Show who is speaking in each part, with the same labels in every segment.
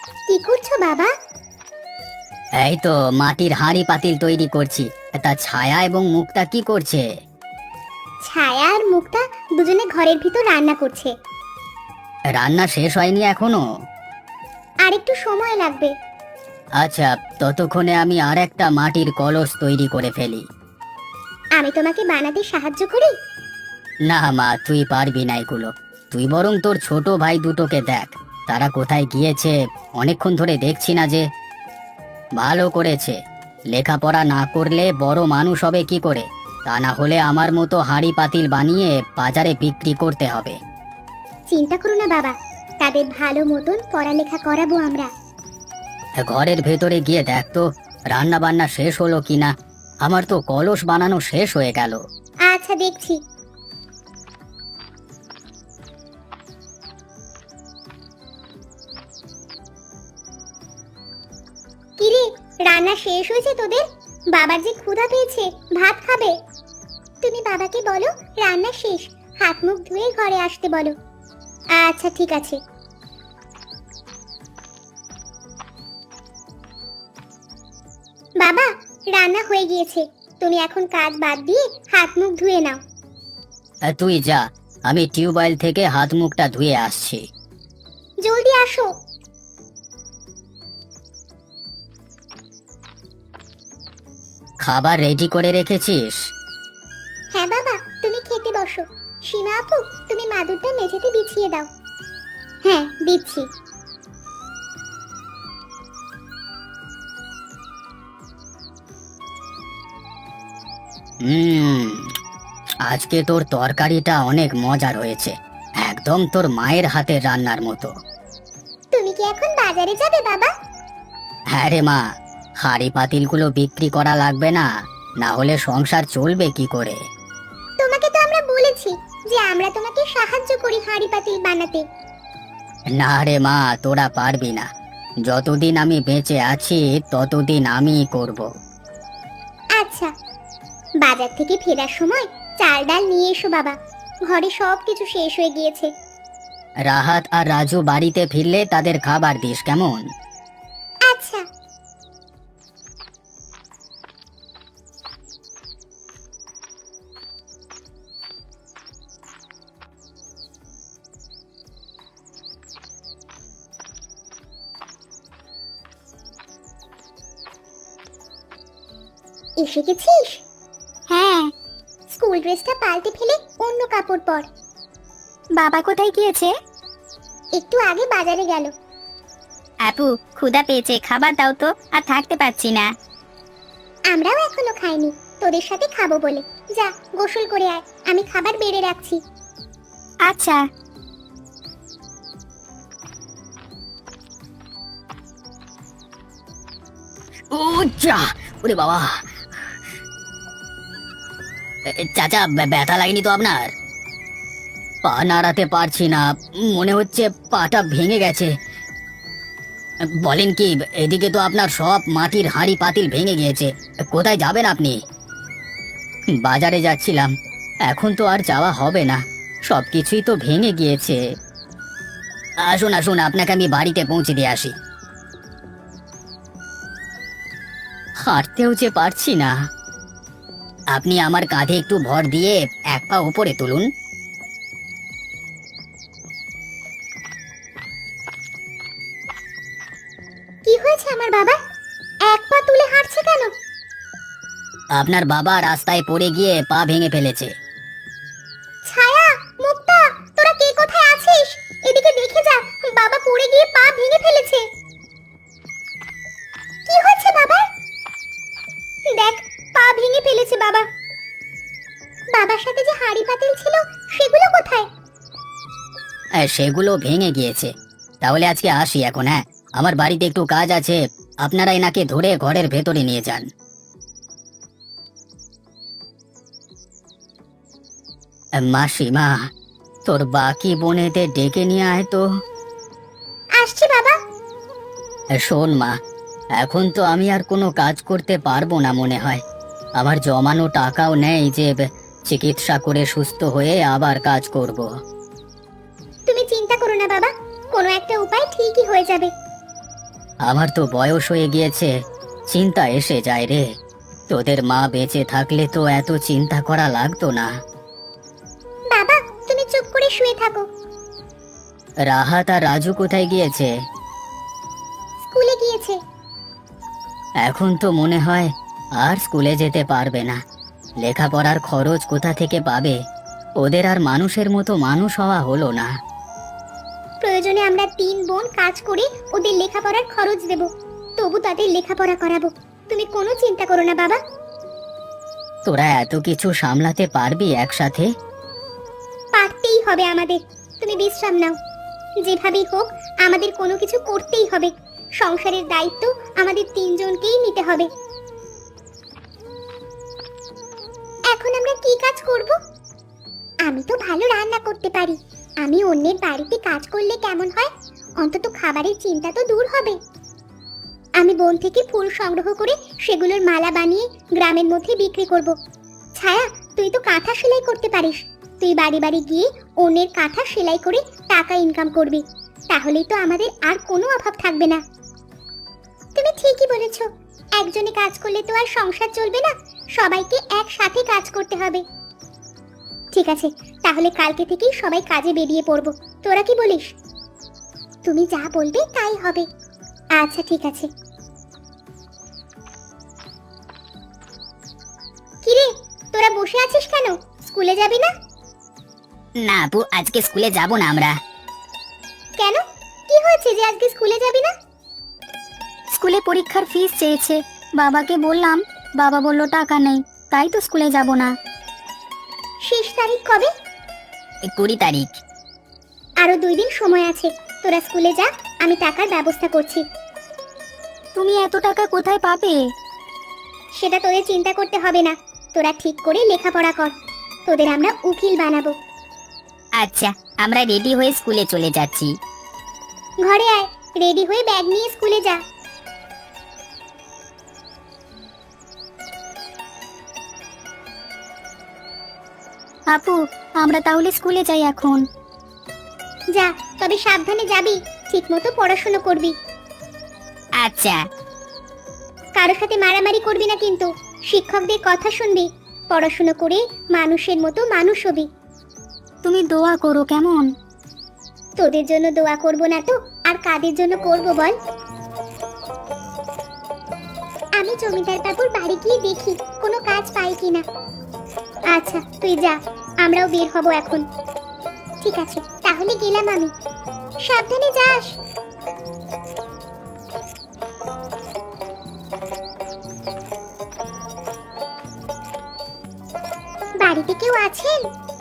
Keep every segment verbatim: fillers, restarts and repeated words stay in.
Speaker 1: কি করছো বাবা?
Speaker 2: এই তো মাটির হাঁড়ি পাতিল তৈরি করছি। তা ছায়া এবং মুক্তা কি করছে?
Speaker 1: ছায়া আর মুক্তা দুজনে ঘরের ভিতর রান্না করছে।
Speaker 2: রান্না শেষ হয়নি এখনো?
Speaker 1: আর একটু সময় লাগবে।
Speaker 2: আচ্ছা, ততক্ষণে আমি আর একটা মাটির কলস তৈরি করে ফেলি।
Speaker 1: আমি তোমাকে বানাতে সাহায্য করি?
Speaker 2: না মা, তুই পারবি না এগুলো। তুই বরং তোর ছোট ভাই দুটোকে দেখ, তারা কোথায় গিয়েছে। অনেকক্ষণ ধরে দেখছি না যে। ভালো করেছে, লেখাপড়া না করলে বড় মানুষ হবে কি করে? তা না হলে আমার মতো হাঁড়ি পাতিল বানিয়ে বাজারে বিক্রি করতে হবে।
Speaker 1: চিন্তা করো না বাবা, তাদের ভালো মতন পড়ালেখা করাবো আমরা।
Speaker 2: ঘরের ভেতরে গিয়ে দেখ তো রান্না বান্না শেষ হলো কিনা। আমার তো কলস বানানো শেষ হয়ে গেল।
Speaker 1: আচ্ছা, দেখছি। কিরে, রান্না শেষ হয়েছে তোদের? বাবার যে ক্ষুধা পেয়েছে, ভাত খাবে। তুমি বাবাকে বলো রান্না শেষ, হাত মুখ ধুয়ে ঘরে আসতে বলো। আচ্ছা, ঠিক আছে। বাবা, রান্না হয়ে গিয়েছে, তুমি এখন কাজ বাদ দিয়ে হাত মুখ ধুয়ে নাও।
Speaker 2: আহ, তুই যা, আমি টিউবওয়েল থেকে হাত মুখটা ধুয়ে আসছি।
Speaker 1: জলদি আসো।
Speaker 2: খাবার রেডি করে রেখেছিস?
Speaker 1: হ্যাঁ বাবা, তুমি খেতে বসো। সীমা আপু, তুমি মাদুরটা মেঝেতে বিছিয়ে দাও। হ্যাঁ, দিচ্ছি।
Speaker 2: হুম, আজকে তোর তরকারিটা অনেক মজার হয়েছে, একদম তোর মায়ের হাতের রান্নার মতো।
Speaker 1: তুমি কি এখন বাজারে যাবে বাবা?
Speaker 2: হ্যাঁ রে মা, হাঁড়ি পাতিলগুলো বিক্রি করা লাগবে না, না হলে সংসার চলবে কি করে?
Speaker 1: তোমাকে তো আমরা বলেছি যে আমরা তোমাকে সাহায্য করি হাঁড়ি পাতিল বানাতে।
Speaker 2: না রে মা, তোরা পারবি না। যতদিন আমি বেঁচে আছি ততদিন আমিই করব।
Speaker 1: আচ্ছা, বাজার থেকে ফেরার সময় চাল ডাল নিয়ে এসো বাবা, ঘরে সব কিছু শেষ হয়ে গিয়েছে।
Speaker 2: রাহাত আর রাজু বাড়িতে ফিরলে তাদের খাবার দিস কেমন?
Speaker 1: আচ্ছা। এসে গেছিস? হ্যাঁ। স্কুল ড্রেসটা পাল্টে ফেলে অন্য কাপড় পর। বাবা কোথায় গিয়েছে? একটু আগে বাজারে গেল।
Speaker 3: আপু, ক্ষুধা পেয়েছে, খাবার দাও তো, আর থাকতে পারছি না।
Speaker 1: আমরাও এখনো খাইনি, তোদের সাথে খাবো বলে। যা, গোসল করে আয়, আমি খাবার বেড়ে রাখছি।
Speaker 3: আচ্ছা।
Speaker 2: ও যা, ওরে বাবা। এ, চাচা, ব্যা- ব্যথা লাগেনি তো আপনার? পা নাড়াতে পারছি না, মনে হচ্ছে পাটা ভেঙে গেছে। বলেন কি, এদিকে তো আপনার সব মাটির হাঁড়ি পাতিল ভেঙে গিয়েছে। কোথায় যাবেন আপনি? বাজারে যাচ্ছিলাম, এখন তো আর যাওয়া হবে না, সবকিছুই তো ভেঙে গিয়েছে। আসুন আসুন, আপনাকে আমি বাড়িতে পৌঁছে দিয়ে আসি। হাঁটতেও যে পারছি না। আপনি আমার কাঁধে একটু ভর দিয়ে এক পা উপরে তুলুন।
Speaker 1: কি হয়েছে আমার বাবা? এক পা তুলে হাঁটছে কেন?
Speaker 2: আপনার বাবা রাস্তায় পড়ে গিয়ে পা ভেঙে ফেলেছে।
Speaker 1: ছায়া, মুক্তা, তোরা কে কোথায় আছিস? এদিকে দেখে যা, বাবা পড়ে গিয়ে পা ভেঙে ফেলেছে। কি হয়েছে বাবা? দেখ, পা ভেঙে ফেলেছে বাবা। বাবার সাথে যে হাঁড়ি পাতিল ছিল সেগুলো কোথায়?
Speaker 2: আহ, সেগুলো ভেঙে গিয়েছে। তাহলে আজকে আসি এখন। হ্যাঁ, আমার বাড়িতে একটু কাজ আছে, আপনারা এনাকে ধরে ঘরের ভেতরে নিয়ে যান। আহ, মাসিমা, তোর বাকি বোনেদের ডেকে নিয়ে আয় তো।
Speaker 1: আসছি বাবা।
Speaker 2: আহ, শোন মা, এখন তো আমি আর কোনো কাজ করতে পারবো না মনে হয়। আমার জমানো টাকাও নেই যে ব- চিকিৎসা করে সুস্থ হয়ে আবার কাজ করব।
Speaker 1: তুমি চিন্তা করো না বাবা, কোনো একটা উপায় ঠিকই হয়ে যাবে।
Speaker 2: আমার তো বয়স হয়ে গিয়েছে, চিন্তা এসে যায় রে। তোদের মা বেঁচে থাকলে তো এত চিন্তা করা লাগতো না।
Speaker 1: বাবা তুমি চুপ করে শুয়ে থাকো।
Speaker 2: রাহাত আর রাজু কোথায় গিয়েছে?
Speaker 1: স্কুলে গিয়েছে।
Speaker 2: এখন তো মনে হয় আর স্কুলে যেতে পারবে না। লেখাপড়ার খরচ কোথা থেকে পাবে? ওদের আর মানুষের মতো মানুষ হওয়া হলো না।
Speaker 1: প্রয়োজনে আমরা তিন বোন কাজ করে ওদের লেখাপড়ার খরচ দেব, তবু তাদের লেখাপড়া করাবো। তুমি কোনো চিন্তা করো না বাবা।
Speaker 2: তোরা এত কিছু সামলাতে পারবি একসাথে?
Speaker 1: পারতেই হবে আমাদের। তুমি বিশ্রাম নাও। যেভাবেই হোক আমাদের কোনো কিছু করতেই হবে। সংসারের দায়িত্ব আমাদের তিনজনকেই নিতে হবে। এখন আমরা কি কাজ করব? আমি তো ভালো রান্না করতে পারি। আমি অন্যের বাড়িতে কাজ করলে কেমন হয়? অন্তত খাবারের চিন্তা তো দূর হবে। আমি বন থেকে ফুল সংগ্রহ করে সেগুলোর মালা বানিয়ে গ্রামের মধ্যে বিক্রি করব। ছায়া, তুই তো কাঁথা সেলাই করতে পারিস। তুই বাড়ি বাড়ি গিয়ে অন্যের কাঁথা সেলাই করে টাকা ইনকাম করবি। তাহলেই তো আমাদের আর কোনো অভাব থাকবে না। তুমি ঠিকই বলেছ। একজনে কাজ করলে তো আর সংসার চলবে না, সবাইকে একসাথে কাজ করতে হবে। ঠিক আছে, তাহলে কালকে থেকেই সবাই কাজে বেরিয়ে পড়ব। তোরা কি বলিস? তুমি যা বলবে তাই হবে। আচ্ছা ঠিক আছে। কিরে, তোরা বসে আছিস কেন? স্কুলে যাবি না?
Speaker 3: না আপু, আজকে স্কুলে যাব না আমরা।
Speaker 1: কেন? কি হয়েছে যে আজকে স্কুলে যাবি না?
Speaker 3: স্কুলে পরীক্ষার ফিস চেয়েছে, বাবাকে বললাম, বাবা বলল টাকা নেই, তাই তো স্কুলে যাব না।
Speaker 1: শেষ তারিখ কবে?
Speaker 3: কুড়ি তারিখ।
Speaker 1: আরো দুই দিন সময় আছে। তোরা স্কুলে যা, আমি টাকার ব্যবস্থা করছি।
Speaker 3: তুমি এত টাকা কোথায় পাবে?
Speaker 1: সেটা তোদের চিন্তা করতে হবে না। তোরা ঠিক করে লেখাপড়া কর, তোদের আমরা উকিল বানাবো।
Speaker 3: আচ্ছা, আমরা রেডি হয়ে স্কুলে চলে যাচ্ছি।
Speaker 1: ঘরে আয়, রেডি হয়ে ব্যাগ নিয়ে স্কুলে যা।
Speaker 3: আপু, আমরা তাহলে স্কুলে যাই এখন।
Speaker 1: যা, তবে সাবধানে যাবি, ঠিকমতো পড়াশোনা করবি।
Speaker 3: আচ্ছা।
Speaker 1: কারো সাথে মারামারি করবি না কিন্তু। শিক্ষকদের কথা শুনবি, পড়াশোনা করে মানুষের মতো মানুষ হবি।
Speaker 3: তুমি দোয়া করো কেমন?
Speaker 1: তোদের জন্য দোয়া করব না তো আর কাদের জন্য করব বল? আমি জমিদার বাবুর বাড়ি গিয়ে দেখি কোনো কাজ পাই কিনা। আচ্ছা তুই যা, আমরাও বের হব এখন। ঠিক আছে, তাহলে গেলাম আমি। সাবধানে যাস। বাড়িতে কেউ আছেন?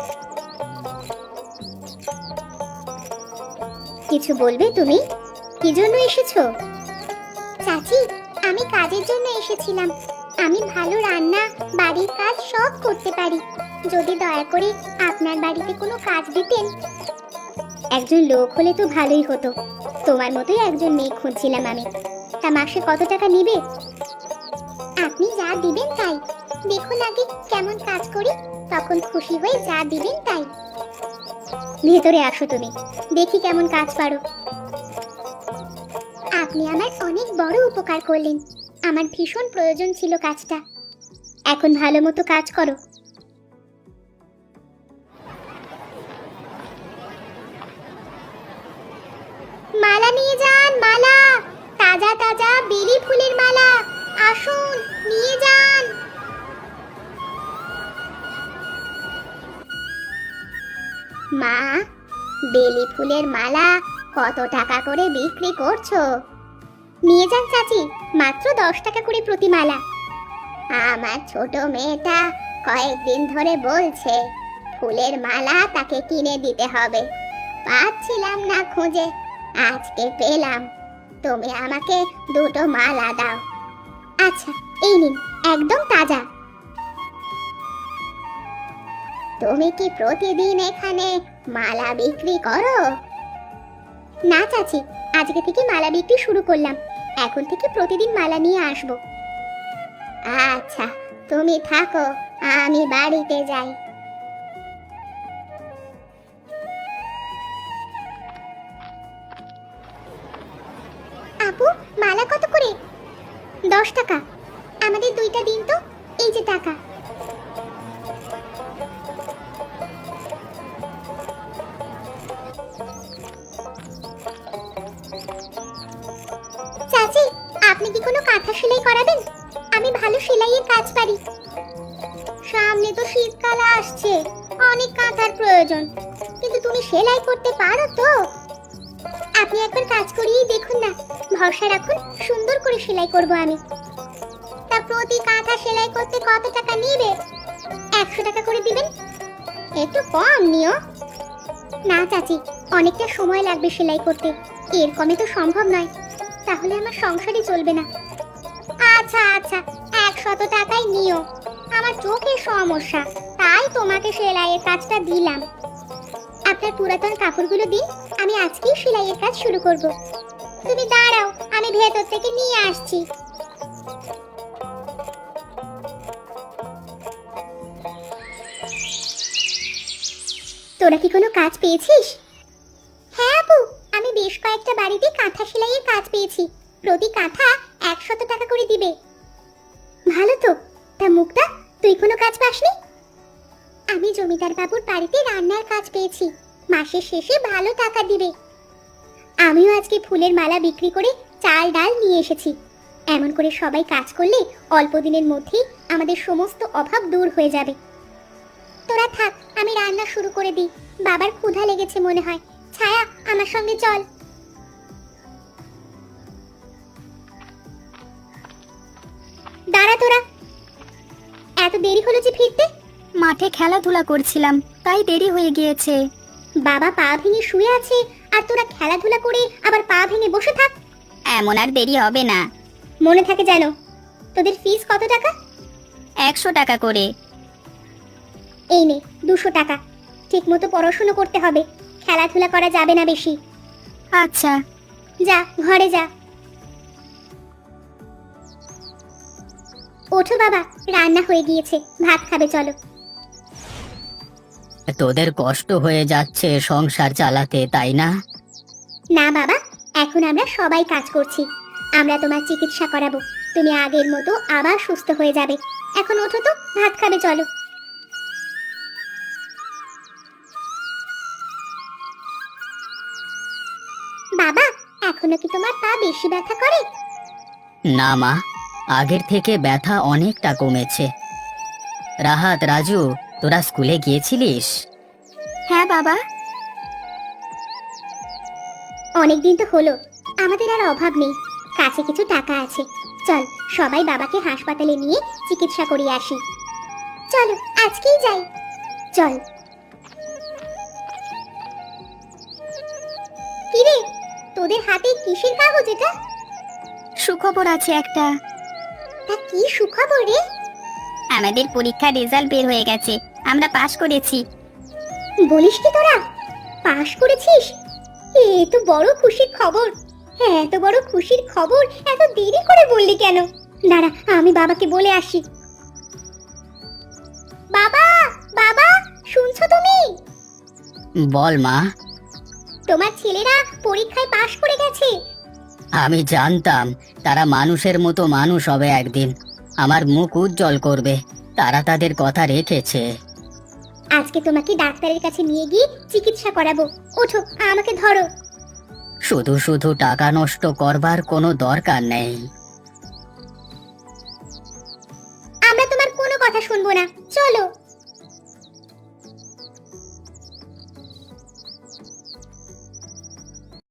Speaker 1: কিছু বলবে তুমি? কি জন্য এসেছো? চাচি, আমি কাজের জন্য এসেছিলাম। আমি ভালো রান্না, বাড়ির কাজ সব করতে পারি। যদি দয়া করে আপনার বাড়িতে কোনো কাজ দিতেন। একজন লোক হলে তো ভালোই হতো। তোমার মতোই একজন মেয়ে খুঁজছিলাম আমি। তা মাসে কত টাকা নিবে? আপনি যা দিবেন তাই। দেখুন আগে কেমন কাজ করি, তখন খুশি হয়ে যা দিবেন তাই। ভেতরে আসো তুমি, দেখি কেমন কাজ পারো। আপনি আমার অনেক বড় উপকার করলেন। আমার ভীষণ প্রয়োজন ছিল কাজটা। এখন ভালো মতো কাজ করো। মালা নিয়ে যান, মালা, তাজা তাজা বেলি ফুলের মালা। আসুন, নিয়ে যান। মা, বেলি ফুলের মালা কত টাকা করে বিক্রি করছো? নিয়ে যান চাচি, মাত্র দশ টাকা করে প্রতি মালা। আমার ছোট মেয়েটা কয়েকদিন ধরে বলছে ফুলের মালা তাকে কিনে দিতে হবে। পাচ্ছিলাম না খুঁজে, আজকে পেলাম। তুমি আমাকে দুটো মালা দাও। আচ্ছা, এই নিন, একদম তাজা। তুমি কি প্রতিদিন এখানে মালা বিক্রি করো? না চাচি, আজকে থেকে মালা বিক্রি শুরু করলাম। এখন থেকে প্রতিদিন মালা নিয়ে আসবো। আচ্ছা, তুমি থাকো, আমি বাড়িতে যাই। আপু, মালা কত করে? দশ টাকা। আমাদের দুইটা দিন তো, এই যে টাকা। চাচি, আপনি কি কোনো কাঁথা সেলাই করাবেন? আমি ভালো সেলাইয়ের কাজ পারি। সামনে তো শীতকাল আসছে, অনেক কাঁথার প্রয়োজন, কিন্তু তুমি সেলাই করতে পারো তো? আপনি একবার কাজ করিয়েই দেখুন না, ভরসা রাখুন, সুন্দর করে সেলাই করব আমি। তা প্রতি কাঁথা সেলাই করতে কত টাকা নেবে? একশো টাকা করে দিবেন। একটু কম নিও। না চাচি, অনেকটা সময় লাগবে সেলাই করতে, এর কমে তো সম্ভব নয়, তাহলে আমার সংসারই চলবে না। আচ্ছা আচ্ছা, একশত টাকাই নিও। আমার চোখের সমস্যা, তাই তোমাকে সেলাইয়ের কাজটা দিলাম। আপনার পুরাতন কাপড়গুলো দিন, আমি আজকেই সেলাইয়ের কাজ শুরু করব। তুমি দাঁড়াও, আমি ভেতর থেকে নিয়ে আসছি। তোরা কি কোনো কাজ পেয়েছিস? হ্যাঁ আপু, আমি বেশ কয়েকটা বাড়িতে কাঁথা সেলাইয়ের কাজ পেয়েছি। প্রতি কাঁথা একশত টাকা করে দিবে। ভালো তো। তা মুক্তা, তুই কোনো কাজ পাসনি? আমি জমিদার বাবুর বাড়িতে রান্নার কাজ পেয়েছি, মাসের শেষে ভালো টাকা দিবে। আমিও আজকে ফুলের মালা বিক্রি করে চাল ডাল নিয়ে এসেছি। এমন করে সবাই কাজ করলে অল্প দিনের মধ্যেই আমাদের সমস্ত অভাব দূর হয়ে যাবে। তোরা থাক, আমি রান্না শুরু করে দিই। বাবার ক্ষুধা লেগেছে মনে হয়। ছায়া, আমার সঙ্গে চল। দাঁড়া তোরা, এত দেরি হলো যে ফিরতে?
Speaker 3: মাঠে খেলাধুলা করছিলাম, তাই দেরি হয়ে গিয়েছে।
Speaker 1: বাবা পা ভেঙে শুয়ে আছে, আর তোরা খেলাধুলা করে আবার পা ভেঙে বসে থাক।
Speaker 3: এমন আর দেরি হবে না।
Speaker 1: মনে থাকে যেন। তোদের ফিস কত টাকা?
Speaker 3: একশো টাকা করে।
Speaker 1: এই নে দুশো টাকা। ঠিক মতো পড়াশোনা করতে হবে, খেলাধুলা করা যাবে না বেশি।
Speaker 3: আচ্ছা।
Speaker 1: যা, ঘরে যা। ওঠো বাবা, রান্না হয়ে গিয়েছে, ভাত খাবে চলো।
Speaker 2: তোদের কষ্ট হয়ে যাচ্ছে সংসার চালাতে, তাই না?
Speaker 1: না বাবা, এখন আমরা সবাই কাজ করছি। আমরা তোমার চিকিৎসা করাবো, তুমি আগের মতো আবার সুস্থ হয়ে যাবে। এখন ওঠো তো, ভাত খাবে চলো। বাবা, এখনো কি তোমার পা বেশি ব্যথা করে?
Speaker 2: না মা, আগের থেকে ব্যথা অনেকটা কমেছে। রাহাত, রাজু, তোরা স্কুলে গিয়েছিলিস?
Speaker 3: হ্যাঁ বাবা।
Speaker 1: অনেকদিন তো হলো, আমাদের আর অভাব নেই, কাছে কিছু টাকা আছে। চল সবাই বাবাকে হাসপাতালে নিয়ে চিকিৎসা করিয়ে আসি। চলো আজকেই যাই, চল। কিরে, তোদের হাতে কিসের কাগজ এটা?
Speaker 3: সুখবর আছে একটা।
Speaker 1: তা কি সুখবর রে?
Speaker 3: আমাদের পরীক্ষার রেজাল্ট বের হয়ে গেছে, আমরা পাশ করেছি।
Speaker 1: বলিস কি তোরা পাশ করেছিস? এ তো বড় খুশির খবর। হ্যাঁ, এত বড় খুশির খবর এত দেরি করে বললি কেন? দাঁড়া, আমি বাবাকে বলে আসি। বাবা, বাবা, শুনছো তুমি?
Speaker 2: বল মা।
Speaker 1: তোমার ছেলেরা পরীক্ষায় পাশ করে গেছে।
Speaker 2: আমি জানতাম তারা মানুষের মতো মানুষ হবে একদিন, আমার মুখ উজ্জ্বল করবে। তারা তাদের কথা রেখেছে।
Speaker 1: আজকে তোমাকে ডাক্তারের কাছে নিয়ে গিয়ে চিকিৎসা করাবো। ওঠো, আমাকে ধরো।
Speaker 2: শুধু শুধু টাকা নষ্ট করবার কোনো দরকার নেই।
Speaker 1: আমরা তোমার কোনো কথা শুনবো না, চলো।